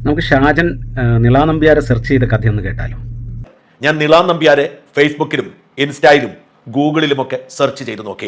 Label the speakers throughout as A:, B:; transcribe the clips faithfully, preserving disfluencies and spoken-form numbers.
A: നമുക്ക് ഷാജൻ നിളാ നമ്പ്യാരെ സെർച്ച് ചെയ്ത കഥയൊന്ന് കേട്ടാലോ?
B: ഞാൻ നിളാ നമ്പ്യാരെ ഫേസ്ബുക്കിലും ഇൻസ്റ്റയിലും ഗൂഗിളിലുമൊക്കെ സെർച്ച് ചെയ്ത് നോക്കി.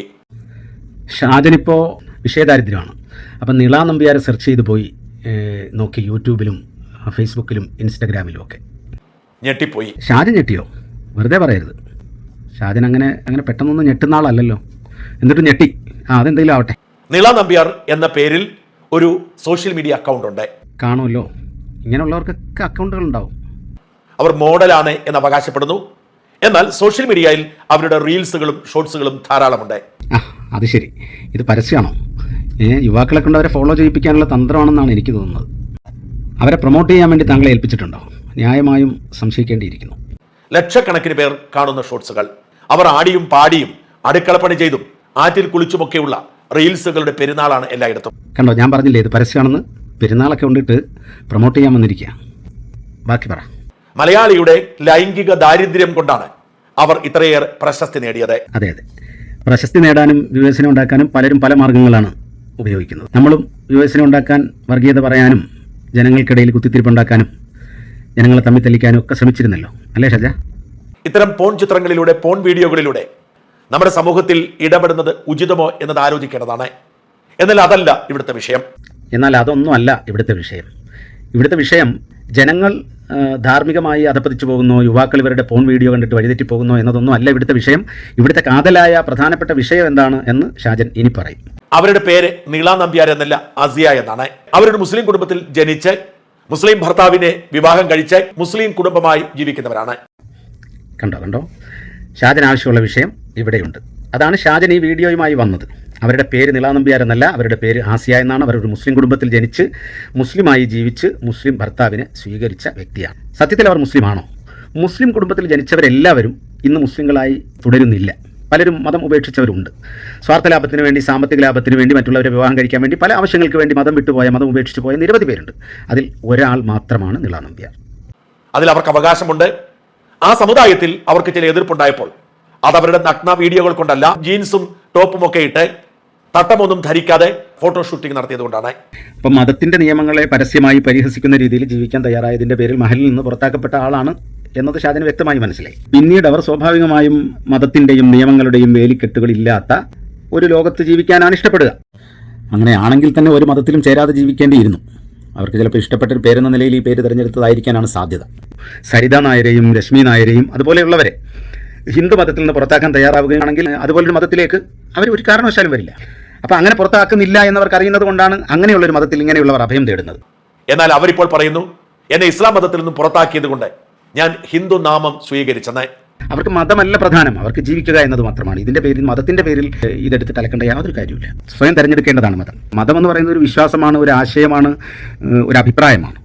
A: ഷാജൻ ഇപ്പോൾ വിഷയദാരിദ്ര്യമാണ്. അപ്പം നിളാ നമ്പ്യാരെ സെർച്ച് ചെയ്ത് പോയി നോക്കി യൂട്യൂബിലും ഫേസ്ബുക്കിലും ഇൻസ്റ്റഗ്രാമിലും ഒക്കെ.
B: ഞെട്ടിപ്പോയി.
A: ഷാജൻ ഞെട്ടിയോ? വെറുതെ പറയരുത്. ഷാജൻ അങ്ങനെ അങ്ങനെ പെട്ടെന്നൊന്നും ഞെട്ടുന്ന ആളല്ലല്ലോ. എന്നിട്ട് ഞെട്ടി. ആ അതെന്തെങ്കിലും ആവട്ടെ.
B: നിളാ നമ്പ്യാർ എന്ന പേരിൽ ഒരു സോഷ്യൽ മീഡിയ അക്കൗണ്ട് ഉണ്ട്.
A: കാണുമല്ലോ, ഇങ്ങനെയുള്ളവർക്കൊക്കെ അക്കൗണ്ടുകൾ ഉണ്ടാവും.
B: അവർ മോഡലാണ് എന്ന് അവകാശപ്പെടുന്നു. എന്നാൽ സോഷ്യൽ മീഡിയയിൽ അവരുടെ റീൽസുകളും ഷോർട്സുകളും ധാരാളമുണ്ട്.
A: ആ അത് ശരി. ഇത് പരസ്യമാണോ? ഏ യുവാക്കളെ കൊണ്ട് അവരെ ഫോളോ ചെയ്യിപ്പിക്കാനുള്ള തന്ത്രമാണെന്നാണ് എനിക്ക് തോന്നുന്നത്. അവരെ പ്രൊമോട്ട് ചെയ്യാൻ വേണ്ടി താങ്കളെ ഏൽപ്പിച്ചിട്ടുണ്ടോ? ന്യായമായും സംശയിക്കേണ്ടിയിരിക്കുന്നു.
B: ലക്ഷക്കണക്കിന് പേർ കാണുന്ന ഷോർട്സുകൾ, അവർ ആടിയും പാടിയും അടുക്കളപ്പണി ചെയ്തും ആറ്റിൽ കുളിച്ചുമൊക്കെയുള്ള റീൽസുകളുടെ പെരുന്നാളാണ് എല്ലായിടത്തും.
A: കണ്ടോ, ഞാൻ പറഞ്ഞില്ലേ ഇത് പരസ്യമാണെന്ന്. പെരുന്നാളൊക്കെ കൊണ്ടിട്ട് പ്രൊമോട്ട് ചെയ്യാൻ വന്നിരിക്കുക. ബാക്കി പറ.
B: മലയാളിയുടെ ലൈംഗിക ദാരിദ്ര്യം കൊണ്ടാണ് അവർ ഇത്രയേറെ പ്രശസ്തി നേടിയത്.
A: അതെ അതെ, പ്രശസ്തി നേടാനും വ്യൂവേഴ്സിനെ ഉണ്ടാക്കാനും പലരും പല മാർഗ്ഗങ്ങളാണ് ഉപയോഗിക്കുന്നത്. നമ്മളും വ്യൂവേഴ്സിനെ ഉണ്ടാക്കാൻ, വർഗീയത പറയാനും, ജനങ്ങൾക്കിടയിൽ കുത്തിത്തിരിപ്പുണ്ടാക്കാനും, ജനങ്ങളെ തമ്മിൽ തെളിക്കാനും ഒക്കെ ശ്രമിച്ചിരുന്നല്ലോ, അല്ലേ ഷജ?
B: ഇത്തരം പോൺ ചിത്രങ്ങളിലൂടെ, പോൺ വീഡിയോകളിലൂടെ നമ്മുടെ സമൂഹത്തിൽ ഇടപെടുന്നത് ഉചിതമോ എന്നത് ആലോചിക്കേണ്ടതാണ്. എന്നാൽ അതല്ല ഇവിടുത്തെ വിഷയം.
A: എന്നാൽ അതൊന്നും അല്ല ഇവിടുത്തെ വിഷയം. ഇവിടുത്തെ വിഷയം ജനങ്ങൾ ധാർമ്മികമായി അധപ്പതിച്ചു പോകുന്നോ, യുവാക്കൾ ഇവരുടെ പോൺ വീഡിയോ കണ്ടിട്ട് വഴിതെറ്റി പോകുന്നോ എന്നതൊന്നും അല്ല ഇവിടുത്തെ വിഷയം. ഇവിടുത്തെ കാതലായ പ്രധാനപ്പെട്ട വിഷയം എന്താണ് എന്ന് ഷാജൻ ഇനി പറയും.
B: അവരുടെ പേര് നിളാ നമ്പ്യാർ എന്നല്ല, അസിയ എന്നാണ്. അവരൊരു മുസ്ലിം കുടുംബത്തിൽ ജനിച്ച് മുസ്ലിം ഭർത്താവിനെ വിവാഹം കഴിച്ച് മുസ്ലിം കുടുംബമായി ജീവിക്കുന്നവരാണ്.
A: കണ്ടോ കണ്ടോ ഷാജൻ ആവശ്യമുള്ള വിഷയം ഇവിടെയുണ്ട്. അതാണ് ഷാജൻ ഈ വീഡിയോയുമായി വന്നത്. അവരുടെ പേര് നിളാ നമ്പ്യാർ എന്നല്ല, അവരുടെ പേര് ആസിയ എന്നാണ്. അവരൊരു മുസ്ലിം കുടുംബത്തിൽ ജനിച്ച് മുസ്ലിമായി ജീവിച്ച് മുസ്ലിം ഭർത്താവിനെ സ്വീകരിച്ച വ്യക്തിയാണ്. സത്യത്തിൽ അവർ മുസ്ലിമാണോ? മുസ്ലിം കുടുംബത്തിൽ ജനിച്ചവരെല്ലാവരും ഇന്ന് മുസ്ലിങ്ങളായി തുടരുന്നില്ല. പലരും മതം ഉപേക്ഷിച്ചവരുണ്ട്. സ്വാർത്ഥ ലാഭത്തിന് വേണ്ടി, സാമ്പത്തിക ലാഭത്തിന് വേണ്ടി, മറ്റുള്ളവരെ വിവാഹം കഴിക്കാൻ വേണ്ടി, പല ആവശ്യങ്ങൾക്ക് വേണ്ടി മതം വിട്ടുപോയ, മതം ഉപേക്ഷിച്ച് പോയ നിരവധി പേരുണ്ട്. അതിൽ ഒരാൾ മാത്രമാണ് നിളാ നമ്പ്യാർ.
B: അതിൽ അവർക്ക് അവകാശമുണ്ട്. ആ സമുദായത്തിൽ അവർക്ക് ചില എതിർപ്പുണ്ടായപ്പോൾ അത് അവരുടെ നഗ്ന വീഡിയോകൾ കൊണ്ടല്ല, ജീൻസും ടോപ്പും ഒക്കെ ഇട്ട് തട്ടമൊന്നും ധരിക്കാതെ ഫോട്ടോ ഷൂട്ടിംഗ് നടത്തിയത് കൊണ്ടാണ്.
A: അപ്പം മതത്തിന്റെ നിയമങ്ങളെ പരസ്യമായി പരിഹസിക്കുന്ന രീതിയിൽ ജീവിക്കാൻ തയ്യാറായതിന്റെ പേരിൽ മഹലിൽ നിന്ന് പുറത്താക്കപ്പെട്ട ആളാണ് എന്നത് ഷാജന് വ്യക്തമായി മനസ്സിലായി. പിന്നീട് അവർ സ്വാഭാവികമായും മതത്തിന്റെയും നിയമങ്ങളുടെയും വേലിക്കെട്ടുകളില്ലാത്ത ഒരു ലോകത്ത് ജീവിക്കാനാണ് ഇഷ്ടപ്പെടുക. അങ്ങനെയാണെങ്കിൽ തന്നെ ഒരു മതത്തിലും ചേരാതെ ജീവിക്കേണ്ടിയിരുന്നു. അവർക്ക് ചിലപ്പോൾ ഇഷ്ടപ്പെട്ട ഒരു പേരെന്ന നിലയിൽ ഈ പേര് തിരഞ്ഞെടുത്തതായിരിക്കാനാണ് സാധ്യത. സരിത നായരെയും രശ്മി നായരെയും അതുപോലെയുള്ളവരെ ഹിന്ദു മതത്തിൽ നിന്ന് പുറത്താക്കാൻ തയ്യാറാവുകയാണെങ്കിൽ അതുപോലൊരു മതത്തിലേക്ക് അവർ ഒരു കാരണവശാലും വരില്ല. അപ്പം അങ്ങനെ പുറത്താക്കുന്നില്ല എന്നവർക്ക് അറിയുന്നത് കൊണ്ടാണ് അങ്ങനെയുള്ളൊരു മതത്തിൽ ഇങ്ങനെയുള്ളവർ അഭയം തേടുന്നത്.
B: എന്നാൽ അവരിപ്പോൾ പറയുന്നു, എന്നെ ഇസ്ലാം മതത്തിൽ നിന്നും പുറത്താക്കിയത് കൊണ്ട് ഞാൻ ഹിന്ദു നാമം സ്വീകരിച്ചെന്ന്.
A: അവർക്ക് മതമല്ല പ്രധാനം, അവർക്ക് ജീവിക്കുക എന്നത് മാത്രമാണ്. ഇതിന്റെ പേരിൽ, മതത്തിന്റെ പേരിൽ ഇതെടുത്തിട്ട് അലക്കേണ്ട യാതൊരു കാര്യമില്ല. സ്വയം തിരഞ്ഞെടുക്കേണ്ടതാണ് മതം. മതം എന്ന് പറയുന്നത് ഒരു വിശ്വാസമാണ്, ഒരു ആശയമാണ്, ഒരു അഭിപ്രായമാണ്.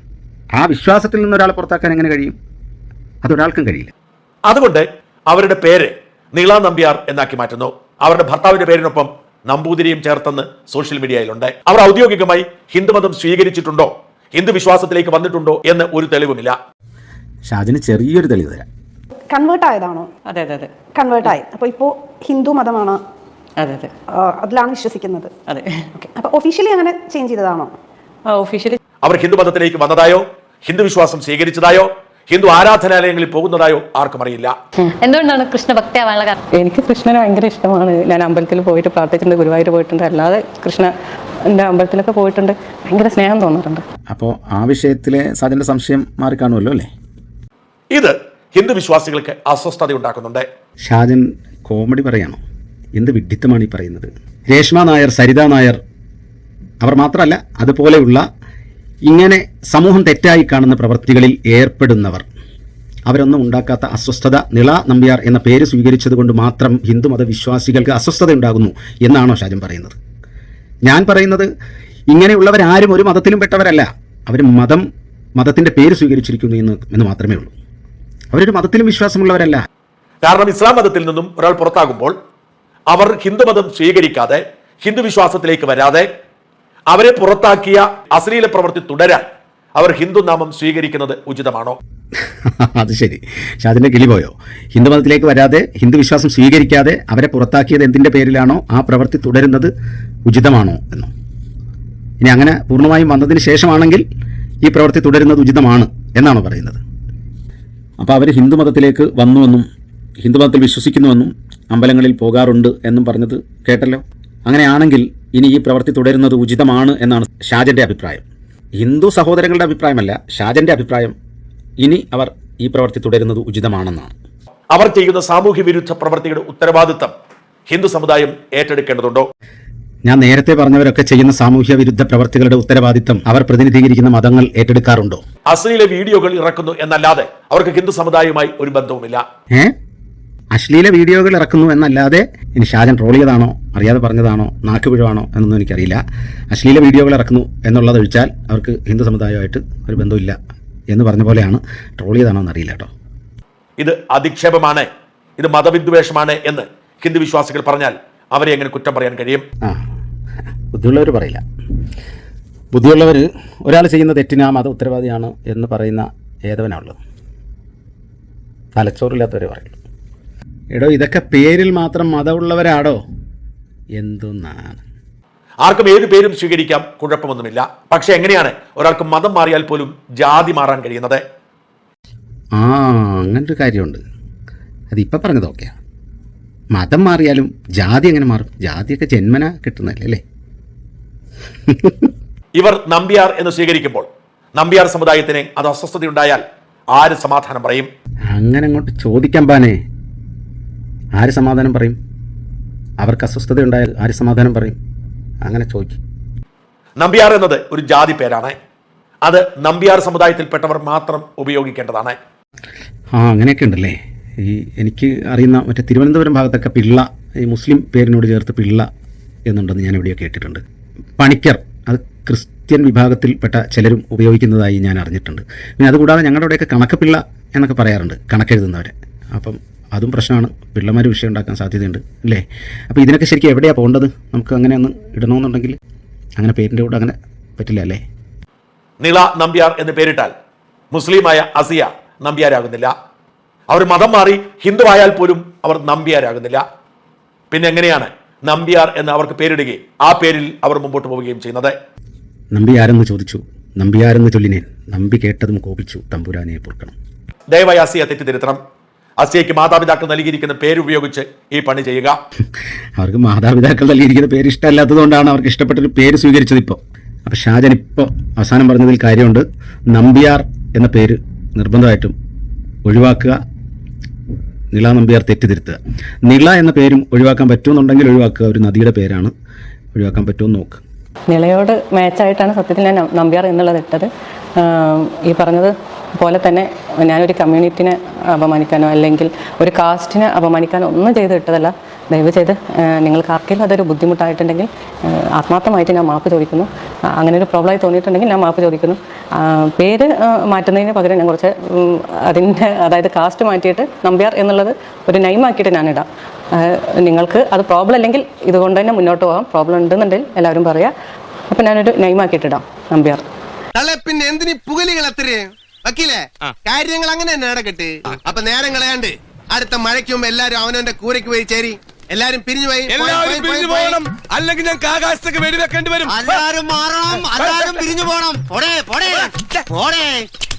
A: ആ വിശ്വാസത്തിൽ നിന്ന് ഒരാളെ പുറത്താക്കാൻ എങ്ങനെ കഴിയും? അതൊരാൾക്കും കഴിയില്ല.
B: അതുകൊണ്ട് അവരുടെ പേര് നിളാ നമ്പ്യാർ എന്നാക്കി മാറ്റുന്നു. അവരുടെ ഭർത്താവിന്റെ പേരിനൊപ്പം നമ്പൂതിരിയും ചേർത്തെന്ന് സോഷ്യൽ മീഡിയയിലുണ്ട്. അവർ ഔദ്യോഗികമായി ഹിന്ദുമതം സ്വീകരിച്ചിട്ടുണ്ടോ, ഹിന്ദു വിശ്വാസത്തിലേക്ക് വന്നിട്ടുണ്ടോ എന്ന് ഒരു തെളിവുമില്ല.
A: ഷാജിന് ചെറിയൊരു തെളിവ് തരാം.
C: കൺവേർട്ട് ആയതാണോ?
D: അതെ അതെ അതെ
C: കൺവേർട്ടായി. അപ്പോൾ ഇപ്പോൾ ഹിന്ദു മതമാണ്,
D: അതെ അതെ
C: അതിലാണ് വിശ്വസിക്കുന്നത്.
D: അതെ.
C: അപ്പോൾ ഒഫീഷ്യലി അങ്ങനെ ചേഞ്ച് ചെയ്തതാണോ?
D: ഒഫീഷ്യലി
B: അവർ ഹിന്ദു മതത്തിലേക്ക് വന്നതായോ, ഹിന്ദു വിശ്വാസം സ്വീകരിച്ചതായോ, ഹിന്ദു ആരാധനാലയങ്ങളിൽ പോകുന്നതായോ ആർക്കും അറിയില്ല.
E: എന്തുകൊണ്ടാണ് കൃഷ്ണ ഭക്തിയാവാനുള്ള കാരണം?
D: എനിക്ക് കൃഷ്ണനെ ഭയങ്കര ഇഷ്ടമാണ്. ഞാൻ അമ്പലത്തിൽ പോയിട്ട് പ്രാർത്ഥിച്ചിട്ടുണ്ട്, ഗുരുവായൂർ പോയിട്ടുണ്ട്, അല്ലാതെ കൃഷ്ണ എൻ്റെ അമ്പലത്തിലൊക്കെ പോയിട്ടുണ്ട്. ഭയങ്കര സ്നേഹം തോന്നാറുണ്ട്.
A: അപ്പോൾ ആ വിഷയത്തിലെ സാജന്റെ സംശയം മാറിക്കാണുമല്ലോ അല്ലേ?
B: ഇത് ഹിന്ദു വിശ്വാസികൾക്ക് അസ്വസ്ഥത ഉണ്ടാക്കുന്നുണ്ട്.
A: ഷാജൻ കോമഡി പറയാണോ? എന്ത് വിഡ്ഢിത്തമാണ് ഈ പറയുന്നത്? രേഷ്മ നായർ, സരിത നായർ അവർ മാത്രമല്ല, അതുപോലെയുള്ള ഇങ്ങനെ സമൂഹം തെറ്റായി കാണുന്ന പ്രവൃത്തികളിൽ ഏർപ്പെടുന്നവർ, അവരൊന്നും ഉണ്ടാക്കാത്ത അസ്വസ്ഥത നിളാ നമ്പ്യാർ എന്ന പേര് സ്വീകരിച്ചത് കൊണ്ട് മാത്രം ഹിന്ദുമത വിശ്വാസികൾക്ക് അസ്വസ്ഥത ഉണ്ടാകുന്നു എന്നാണോ ഷാജൻ പറയുന്നത്? ഞാൻ പറയുന്നത് ഇങ്ങനെയുള്ളവരാരും ഒരു മതത്തിലും പെട്ടവരല്ല. അവർ മതം മതത്തിൻ്റെ പേര് സ്വീകരിച്ചിരിക്കുന്നു എന്ന് എന്ന് മാത്രമേ ഉള്ളൂ. അവരൊരു മതത്തിലും വിശ്വാസമുള്ളവരല്ല.
B: കാരണം ഇസ്ലാം മതത്തിൽ നിന്നും ഒരാൾ പുറത്താകുമ്പോൾ അവർ ഹിന്ദുമതം സ്വീകരിക്കാതെ, ഹിന്ദു വിശ്വാസത്തിലേക്ക് വരാതെ, അവരെ പുറത്താക്കിയ അശ്ലീല പ്രവൃത്തി തുടരാൻ അവർ ഹിന്ദു നാമം സ്വീകരിക്കുന്നത് ഉചിതമാണോ?
A: അത് ശരി, ഷാജിന്റെ കിളി പോയോ? ഹിന്ദുമതത്തിലേക്ക് വരാതെ, ഹിന്ദു വിശ്വാസം സ്വീകരിക്കാതെ അവരെ പുറത്താക്കിയത് എന്തിൻ്റെ പേരിലാണോ ആ പ്രവൃത്തി തുടരുന്നത് ഉചിതമാണോ എന്നോ? ഇനി അങ്ങനെ പൂർണ്ണമായും വന്നതിന് ശേഷമാണെങ്കിൽ ഈ പ്രവൃത്തി തുടരുന്നത് ഉചിതമാണ് എന്നാണ് പറയുന്നത്. അപ്പോൾ അവർ ഹിന്ദുമതത്തിലേക്ക് വന്നുവെന്നും ഹിന്ദുമതത്തിൽ വിശ്വസിക്കുന്നുവെന്നും അമ്പലങ്ങളിൽ പോകാറുണ്ട് എന്നും പറഞ്ഞത് കേട്ടല്ലോ. അങ്ങനെയാണെങ്കിൽ ഇനി ഈ പ്രവൃത്തി തുടരുന്നത് ഉചിതമാണ് എന്നാണ് ഷാജൻ്റെ അഭിപ്രായം. ഹിന്ദു സഹോദരങ്ങളുടെ അഭിപ്രായമല്ല, ഷാജൻ്റെ അഭിപ്രായം ഇനി അവർ ഈ പ്രവൃത്തി തുടരുന്നത് ഉചിതമാണെന്നാണ്.
B: അവർ ചെയ്യുന്ന സാമൂഹ്യ വിരുദ്ധ പ്രവൃത്തിയുടെ ഉത്തരവാദിത്തം ഹിന്ദു സമുദായം ഏറ്റെടുക്കേണ്ടതുണ്ടോ?
A: ഞാൻ നേരത്തെ പറഞ്ഞവരൊക്കെ ചെയ്യുന്ന സാമൂഹ്യ വിരുദ്ധ പ്രവർത്തികളുടെ ഉത്തരവാദിത്തം അവർ പ്രതിനിധീകരിക്കുന്ന മതങ്ങൾ ഏറ്റെടുക്കാറുണ്ടോ?
B: അശ്ലീല വീഡിയോകൾ ഇറക്കുന്നു എന്നല്ലാതെ അവർക്ക് ഹിന്ദു സമുദായവുമായി ഒരു ബന്ധവുമില്ല.
A: ഏ അശ്ലീല വീഡിയോകൾ ഇറക്കുന്നു എന്നല്ലാതെ ഇനി ഷാജൻ ട്രോൾ ചെയ്തതാണോ അറിയാതെ പറഞ്ഞതാണോ നാക്കുപിഴവാണോ എന്നൊന്നും എനിക്കറിയില്ല. അശ്ലീല വീഡിയോകൾ ഇറക്കുന്നു എന്നുള്ളത് ഒഴിച്ചാൽ അവർക്ക് ഹിന്ദു സമുദായമായിട്ട് ഒരു ബന്ധമില്ല എന്ന് പറഞ്ഞ പോലെയാണ്. ട്രോൾ ചെയ്താണോ എന്നറിയില്ല കേട്ടോ.
B: ഇത് അധിക്ഷേപമാണ്, ഇത് മതവിദ്വേഷമാണ് എന്ന് ഹിന്ദു വിശ്വാസികൾ പറഞ്ഞാൽ അവരെ എങ്ങനെ കുറ്റം പറയാൻ കഴിയും?
A: ആ ബുദ്ധിയുള്ളവർ പറയില്ല. ബുദ്ധിയുള്ളവർ ഒരാൾ ചെയ്യുന്ന തെറ്റിന് ആ മത ഉത്തരവാദിയാണ് എന്ന് പറയുന്ന ഏതവനാണുള്ളത്. തലച്ചോറില്ലാത്തവരെ പറയുള്ളൂ. എടോ ഇതൊക്കെ പേരിൽ മാത്രം മതമുള്ളവരാടോ? എന്തൊന്നാണ്.
B: ആർക്കും ഏത് പേരും സ്വീകരിക്കാം, കുഴപ്പമൊന്നുമില്ല. പക്ഷെ എങ്ങനെയാണ് ഒരാൾക്ക് മതം മാറിയാൽ പോലും ജാതി മാറാൻ കഴിയുന്നത്?
A: ആ അങ്ങനൊരു കാര്യമുണ്ട്. അതിപ്പോൾ പറഞ്ഞത് ഓക്കെയാണ്. മതം മാറിയാലും ജാതി എങ്ങനെ മാറും? ജാതിയൊക്കെ ജന്മന കിട്ടുന്നതല്ലേ അല്ലേ?
B: ഇവർ നമ്പ്യാർ എന്ന് സ്വീകരിക്കുമ്പോൾ നമ്പ്യാർ സമുദായത്തിന് അത് അസ്വസ്ഥതയുണ്ടായാൽ ആര് സമാധാനം പറയും?
A: അങ്ങനെ അങ്ങോട്ട് ചോദിക്കാൻ പാനേ. ആര് സമാധാനം പറയും? അവർക്ക് അസ്വസ്ഥതയുണ്ടായാൽ ആര് സമാധാനം പറയും? അങ്ങനെ ചോദിക്കും.
B: നമ്പ്യാർ എന്നത് ഒരു ജാതി പേരാണ്. അത് നമ്പ്യാർ സമുദായത്തിൽപ്പെട്ടവർ മാത്രം ഉപയോഗിക്കേണ്ടതാണ്.
A: ആ അങ്ങനെയൊക്കെ ഉണ്ടല്ലേ. ഈ എനിക്ക് അറിയുന്ന മറ്റേ തിരുവനന്തപുരം ഭാഗത്തൊക്കെ പിള്ള, ഈ മുസ്ലിം പേരിനോട് ചേർത്ത് പിള്ള എന്നുണ്ടെന്ന് ഞാൻ എവിടെയോ കേട്ടിട്ടുണ്ട്. പണിക്കർ, അത് ക്രിസ്ത്യൻ വിഭാഗത്തിൽപ്പെട്ട ചിലരും ഉപയോഗിക്കുന്നതായി ഞാൻ അറിഞ്ഞിട്ടുണ്ട്. പിന്നെ അതുകൂടാതെ ഞങ്ങളുടെ അവിടെയൊക്കെ കണക്കപ്പിള്ള എന്നൊക്കെ പറയാറുണ്ട്, കണക്കെഴുതുന്നവരെ. അപ്പം അതും പ്രശ്നമാണ്. പിള്ളമാർ വിഷയം ഉണ്ടാക്കാൻ സാധ്യതയുണ്ട് അല്ലേ? അപ്പോൾ ഇതിനൊക്കെ ശരിക്കും എവിടെയാണ് പോകേണ്ടത്? നമുക്ക് അങ്ങനെ ഒന്ന് ഇടണമെന്നുണ്ടെങ്കിൽ അങ്ങനെ പേരിൻ്റെ കൂടെ അങ്ങനെ പറ്റില്ല അല്ലേ?
B: നിള നമ്പ്യാർ എന്ന് പേരിട്ടാൽ മുസ്ലിമായ അസിയ നമ്പ്യാരാകുന്നില്ല. അവർ മതം മാറി ഹിന്ദുവായാൽ പോലും അവർ നമ്പ്യാരാകുന്നില്ല. പിന്നെ എങ്ങനെയാണ് നമ്പ്യാർ എന്ന് അവർക്ക് പേരിടുകയും ആ പേരിൽ അവർ മുമ്പോട്ട് പോവുകയും ചെയ്യുന്നത്?
A: നമ്പിയാരെന്ന് ചോദിച്ചു, നമ്പിയാരെന്ന് ചൊല്ലിനേൻ, നമ്പി കേട്ടതും കോപിച്ചു, തമ്പുരാനെ പൊറുക്കണം.
B: ദയവായി അസിയ തെറ്റിദ്ധരുത്തണം. അസിയയ്ക്ക് മാതാപിതാക്കൾ നൽകിയിരിക്കുന്ന പേരുപയോഗിച്ച് ഈ പണി ചെയ്യുക.
A: അവർക്ക് മാതാപിതാക്കൾ നൽകിയിരിക്കുന്ന പേര് ഇഷ്ടമല്ലാത്തതുകൊണ്ടാണ് അവർക്ക് ഇഷ്ടപ്പെട്ടൊരു പേര് സ്വീകരിച്ചത് ഇപ്പോൾ. അപ്പോൾ ഷാജൻ ഇപ്പോൾ അവസാനം പറഞ്ഞതിൽ കാര്യമുണ്ട്. നമ്പ്യാർ എന്ന പേര് നിർബന്ധമായിട്ടും ഒഴിവാക്കുക. നിള നമ്പ്യാർ തെറ്റിദ്ധരുത്തുക. നിള എന്ന പേരും ഒഴിവാക്കാൻ പറ്റുമെന്നുണ്ടെങ്കിൽ ഒഴിവാക്കുക. ഒരു നദിയുടെ പേരാണ്, ഒഴിവാക്കാൻ പറ്റുമെന്ന് നോക്ക്.
D: നിളയോട് മാച്ചായിട്ടാണ് സത്യത്തിൽ ഞാൻ നമ്പ്യാർ എന്നുള്ളത് ഇട്ടത്. ഈ പറഞ്ഞത് പോലെ തന്നെ ഞാനൊരു കമ്മ്യൂണിറ്റിനെ അപമാനിക്കാനോ അല്ലെങ്കിൽ ഒരു കാസ്റ്റിനെ അപമാനിക്കാനോ ഒന്നും ചെയ്ത് ഇട്ടതല്ല. ദയവ് ചെയ്ത് നിങ്ങൾക്ക് ആർക്കെങ്കിലും അതൊരു ബുദ്ധിമുട്ടായിട്ടുണ്ടെങ്കിൽ ആത്മാർത്ഥമായിട്ട് ഞാൻ മാപ്പ് ചോദിക്കുന്നു. അങ്ങനെ ഒരു പ്രോബ്ലമായി തോന്നിയിട്ടുണ്ടെങ്കിൽ ഞാൻ മാപ്പ് ചോദിക്കുന്നു. പേര് മാറ്റുന്നതിന് പകരം ഞാൻ കുറച്ച് അതിൻ്റെ അതായത് കാസ്റ്റ് മാറ്റിയിട്ട് നമ്പ്യാർ എന്നുള്ളത് ഒരു നൈമാക്കിയിട്ട് ഞാനിടാം. നിങ്ങൾക്ക് അത് പ്രോബ്ലം അല്ലെങ്കിൽ ഇതുകൊണ്ട് തന്നെ മുന്നോട്ട് പോകാം. പ്രോബ്ലം ഉണ്ടെന്നുണ്ടെങ്കിൽ എല്ലാവരും പറയാം. അപ്പം ഞാനൊരു നൈമാക്കിയിട്ടിടാം നമ്പ്യാർ.
F: പിന്നെ എന്തിനീ പുകലികൾ അത്രയും വക്കീലേ? കാര്യങ്ങൾ അങ്ങനെ തന്നെ നടക്കട്ടെ. അപ്പൊ നേരം കളയാണ്ട് അടുത്ത മഴയ്ക്ക് മുമ്പ് എല്ലാരും അവനവന്റെ കൂരയ്ക്ക് പോയി ചേരി. എല്ലാരും പിരിഞ്ഞു പോയി,
G: എല്ലാവരും പിരിഞ്ഞു പോകണം, അല്ലെങ്കിൽ ഞങ്ങൾക്ക് ആകാശത്തേക്ക് വെടിവെക്കേണ്ടി വരും.
F: എല്ലാരും മാറണം, എല്ലാരും പിരിഞ്ഞു പോകണം. പോടേ പോടേ പോടേ